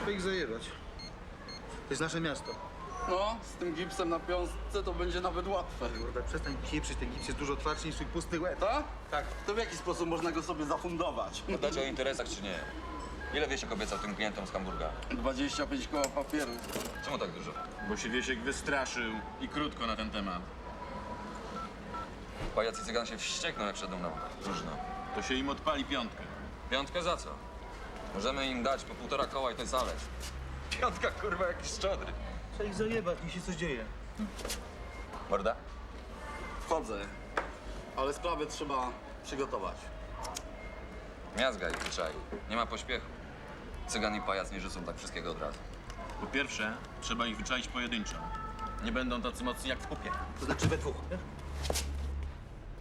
Trzeba ich zajebać. To jest nasze miasto. No, z tym gipsem na piątce to będzie nawet łatwe. Kurde, przestań pieprzyć, ten gips jest dużo twardszy niż twój pusty łeb. Tak? Tak. To w jaki sposób można go sobie zafundować? Pytacie o interesach czy nie? Ile Wiesiek obiecał tym klientom z Hamburga? 25 koła papieru. Czemu tak dużo? Bo się Wiesiek wystraszył i krótko na ten temat. Pajac i cygan się wściekną, jak szedł na próżno. To się im odpali piątkę. Piątkę za co? Możemy im dać po 1,5 koła i to jest zależ. Piątka, kurwa, jakiś szczodry. Trzeba ich zajebać, niech się coś dzieje. Morda? Wchodzę, ale sprawę trzeba przygotować. Miazga ich wyczai. Nie ma pośpiechu. Cygan i pajac nie rzucą tak wszystkiego od razu. Po pierwsze, trzeba ich wyczaić pojedynczo. Nie będą tacy mocni jak w kupie. To znaczy we dwóch, nie?